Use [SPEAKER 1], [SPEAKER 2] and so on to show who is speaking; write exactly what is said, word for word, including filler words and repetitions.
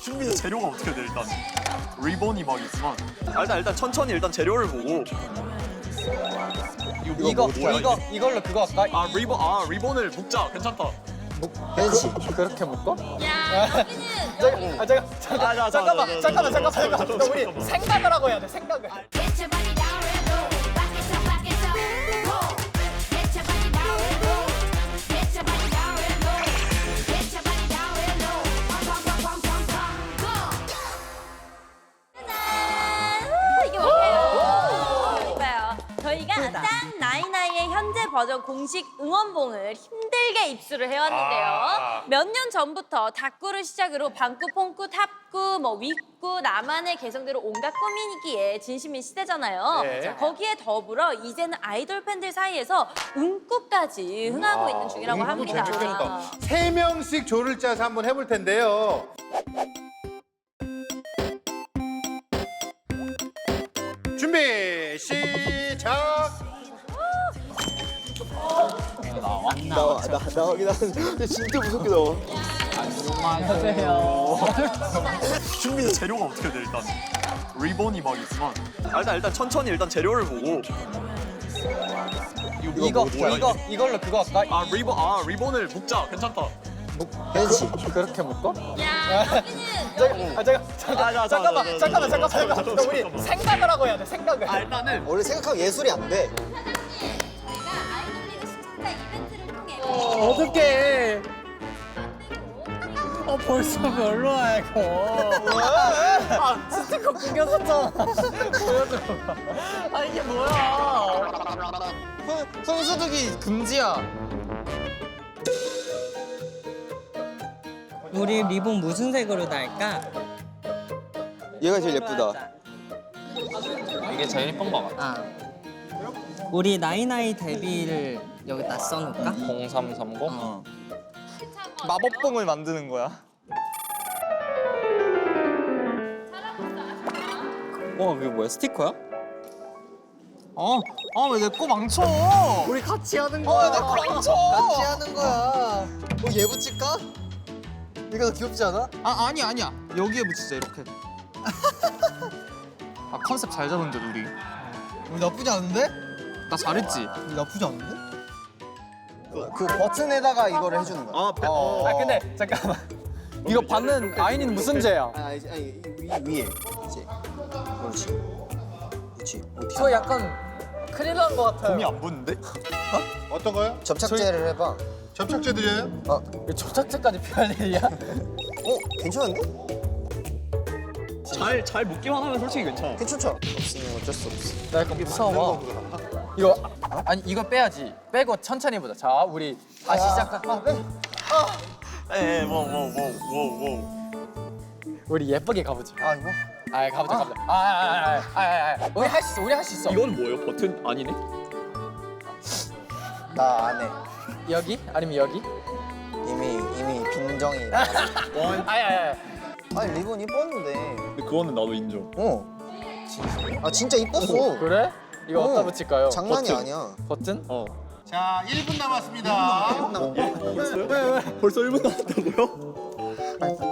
[SPEAKER 1] 준비 재료가 어떻게 돼 일단? 리본이 막 있지만 아, 일단 일단 천천히 일단 재료를 보고 이거
[SPEAKER 2] 이거
[SPEAKER 1] 뭐야,
[SPEAKER 2] 이거
[SPEAKER 1] 이게?
[SPEAKER 2] 이걸로 그거 할까?
[SPEAKER 1] 아 리본 아 리본을 묶자 괜찮다.
[SPEAKER 2] 벤시 그렇게 묶어?
[SPEAKER 3] 야, 여기는
[SPEAKER 2] 아 잠깐 잠깐
[SPEAKER 1] 아, 자, 자,
[SPEAKER 2] 잠깐만
[SPEAKER 1] 자, 자,
[SPEAKER 2] 잠깐만
[SPEAKER 1] 자,
[SPEAKER 2] 잠깐만
[SPEAKER 1] 자, 자,
[SPEAKER 2] 잠깐만
[SPEAKER 1] 자,
[SPEAKER 2] 우리
[SPEAKER 1] 잠깐만.
[SPEAKER 2] 생각을 하고 해야 돼 생각을.
[SPEAKER 3] Get your body down and low. Back it up, back it up. Whoa. Get your body down and low. Get your body down and low. Get your body down and low. Pum, pum, pum, pum, pum, pum. Go. 짜잔! 우, 이게 뭘까요? 이거요. 저희가 짠 나이나이의 현재 버전 공식 응원봉을 힘들게 입수를 해왔는데요.
[SPEAKER 1] 아.
[SPEAKER 3] 몇 년 전부터 닭구를 시작으로 방구, 퐁구, 탑구, 뭐 윗구, 나만의 개성대로 온갖 꾸미기에 진심인 시대잖아요.
[SPEAKER 1] 네.
[SPEAKER 3] 자, 거기에 더불어 이제는 아이돌 팬들 사이에서 응꾸까지 흥하고 있는 중이라고
[SPEAKER 4] 응꾸
[SPEAKER 3] 합니다.
[SPEAKER 4] 재밌겠다. 세 명씩 조를 짜서 한번 해볼 텐데요. 준비 시작.
[SPEAKER 5] 나와 나 나오긴 하는데 진짜 무섭게 나와.
[SPEAKER 1] 준비 재료가 어떻게 돼 일단? 리본이 막 있지만 아, 일단 일단 천천히 일단 재료를 보고 이거
[SPEAKER 2] 이거
[SPEAKER 1] 뭐야,
[SPEAKER 2] 이거
[SPEAKER 1] 이게?
[SPEAKER 2] 이걸로 그거 할까?
[SPEAKER 1] 아 리본 아 리본을 묶자 괜찮다.
[SPEAKER 2] 벤시 그렇게 묶어?
[SPEAKER 3] 야, 여기는
[SPEAKER 2] 아 잠깐 잠깐
[SPEAKER 1] 아, 자, 자,
[SPEAKER 2] 잠깐만
[SPEAKER 1] 자, 자,
[SPEAKER 2] 잠깐만
[SPEAKER 1] 자,
[SPEAKER 2] 잠깐만
[SPEAKER 1] 자, 자,
[SPEAKER 2] 잠깐만
[SPEAKER 1] 자,
[SPEAKER 2] 우리
[SPEAKER 1] 잠깐만.
[SPEAKER 2] 생각을 하고 해야 돼 생각을.
[SPEAKER 1] 아 일단은
[SPEAKER 5] 원래 생각하면 예술이 안 돼.
[SPEAKER 3] 저희가 아이돌 리그 시청자 이벤트를 통해
[SPEAKER 2] 어떡해. 어 벌써 별로야 이거. 아 스티커 구겨졌잖아. 보여줘. 아 이게 뭐야? 손, 손소독이 금지야.
[SPEAKER 6] 우리 리본 무슨 색으로 달까?
[SPEAKER 5] 얘가 제일 예쁘다.
[SPEAKER 2] 이게 제일 예쁜 거 같아.
[SPEAKER 6] 아, 우리 나이나이 데뷔를 여기다 써놓을까?
[SPEAKER 2] 공삼삼공.
[SPEAKER 6] 어.
[SPEAKER 2] 마법봉을 만드는 거야.
[SPEAKER 5] 어 그게 뭐야 스티커야?
[SPEAKER 2] 어, 아 왜 내 거 망쳐? 우리 같이 하는 거야. 어, 내 거 망쳐.
[SPEAKER 5] 같이 하는 거야. 뭐 얘 붙일까? 이거 더 귀엽지 않아?
[SPEAKER 2] 아 아니 아니야. 여기에 붙이자 이렇게. 아 컨셉 잘 잡은데 우리.
[SPEAKER 5] 우리 나쁘지 않은데?
[SPEAKER 2] 나 잘했지.
[SPEAKER 5] 우리 나쁘지 않은데? 그, 그 버튼에다가 이거를 해주는 거야.
[SPEAKER 1] 아, 배-
[SPEAKER 5] 어.
[SPEAKER 2] 아 근데 잠깐만. 이거 받는 아이니는 무슨 죄야?
[SPEAKER 5] 아, 아니, 아니 위, 위에 이제 그렇지. 그렇지. 어떻게
[SPEAKER 2] 저 약간 큰일 난 거 같아요.
[SPEAKER 1] 곰이 안 붙는데?
[SPEAKER 4] 어떤 거요?
[SPEAKER 5] 접착제를 해봐.
[SPEAKER 4] 접착제 드려요?
[SPEAKER 5] 어,
[SPEAKER 2] 이거 접착제까지 필요한 일이야?
[SPEAKER 5] 어 괜찮은데?
[SPEAKER 1] 잘 잘 묶기만 하면 솔직히 괜찮아.
[SPEAKER 5] 괜찮죠? 없으면 어쩔 수 없어.
[SPEAKER 2] 나 약간 무서워. 이거 아, 아니 이거 빼야지. 빼고 천천히 보자. 자 우리 다시 시작하.
[SPEAKER 5] 아, 네.
[SPEAKER 1] 에에 뭐뭐뭐뭐뭐
[SPEAKER 2] 우리 예쁘게 가보자.
[SPEAKER 5] 아 이거?
[SPEAKER 2] 아 가보자 가보자. 아아아아아 우리 할 수 있어. 우리 할 수 있어.
[SPEAKER 1] 이건 뭐예요? 버튼 아니네?
[SPEAKER 5] 나 안 해.
[SPEAKER 2] 여기 아니면 여기?
[SPEAKER 5] 이미 이미 빈정이.
[SPEAKER 2] 아야야.
[SPEAKER 5] 아니 리본 이뻤는데.
[SPEAKER 1] 근데 그거는 나도 인정.
[SPEAKER 5] 어. 아 진짜 이뻤어.
[SPEAKER 2] 그래? 이거
[SPEAKER 5] 어.
[SPEAKER 2] 어디다 붙일까요?
[SPEAKER 5] 장난이
[SPEAKER 1] 버튼.
[SPEAKER 5] 아니야.
[SPEAKER 2] 버튼?
[SPEAKER 1] 어.
[SPEAKER 4] 자, 일 분 남았습니다.
[SPEAKER 1] 벌써 벌써 일 분 남았다고요?